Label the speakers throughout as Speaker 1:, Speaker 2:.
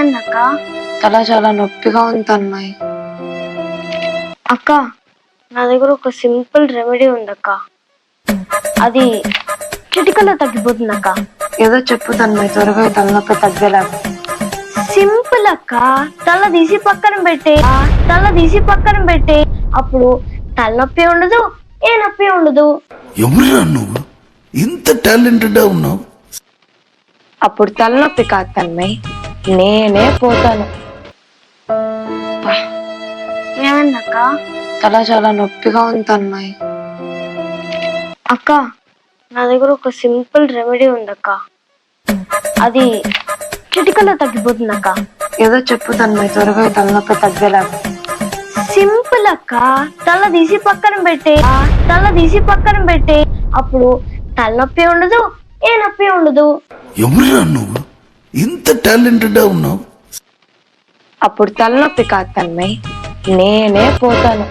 Speaker 1: ఏమైందక్క?
Speaker 2: తల చాలా నొప్పిగా ఉంది తన్మయ్.
Speaker 1: అక్క, నా దగ్గర ఒక సింపుల్ రెమెడీ ఉందక్క. అది చిటికలో తగ్గిపోతుందక్క.
Speaker 2: ఏదో చెప్పు తన్మయ్, త్వరగా ఈ తలనొప్పి తగ్గేలాగా.
Speaker 1: సింపుల్ అక్క. తల తీసి పక్కన పెట్టే అప్పుడు తలనొప్పి ఉండదు, ఏ నొప్పి ఉండదు.
Speaker 3: ఎవరురా నువ్వు ఇంత టాలెంటెడ్ ఉన్నావు?
Speaker 2: అప్పుడు తలనొప్పి కాదు తన్మయ్, నేనే పోతాను.
Speaker 1: ఏమైందక్క?
Speaker 2: తల చాలా నొప్పిగా ఉంది తన్మయ్.
Speaker 1: అక్క, నా దగ్గర ఒక సింపుల్ రెమెడీ ఉందక్క. అది చిటికలో తగ్గిపోతుందక్క.
Speaker 2: ఏదో చెప్పు తన్మయ్, త్వరగా ఈ తలనొప్పి తగ్గేలాగా.
Speaker 1: సింపుల్ అక్క. తల తీసి పక్కన పెట్టే అప్పుడు తలనొప్పి ఉండదు, ఏ నొప్పి ఉండదు.
Speaker 3: ఎవరురా నువ్వు ఇంత టాలెంటెడ్ ఉన్నావు?
Speaker 2: అప్పుడు తలనొప్పి కాదు తన్మయ్, నేనే పోతాను.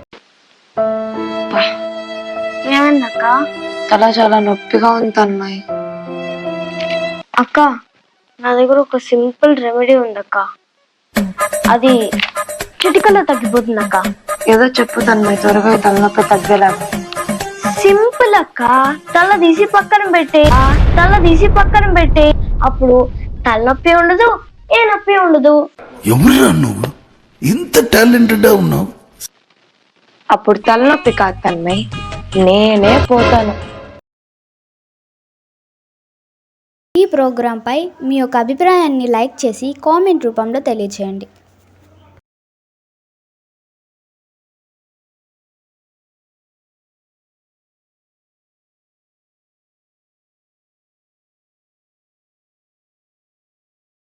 Speaker 1: ఏమైందక్క?
Speaker 2: తల చాలా నొప్పిగా ఉంది తన్మయ్.
Speaker 1: అక్క, నా దగ్గర ఒక సింపుల్ రెమెడీ ఉందక్క. అది చిటికలో తగ్గిపోతుందక్క.
Speaker 2: ఏదో చెప్పు తన్మయ్, త్వరగా ఈ తలనొప్పి తగ్గేలాగా.
Speaker 1: సింపుల్ అక్క. తల తీసి పక్కన పెట్టే అప్పుడు తలనొప్పి ఉండదు, ఏ నొప్పి ఉండదు.
Speaker 3: ఎవరురా నువ్వు ఇంత టాలెంటెడ్ ఉన్నావు?
Speaker 2: అప్పుడు తలనొప్పి కాదు తన్మయ్, నేనే పోతాను.
Speaker 4: ఈ ప్రోగ్రాంపై మీ యొక్క అభిప్రాయాన్ని లైక్ చేసి కామెంట్ రూపంలో తెలియజేయండి.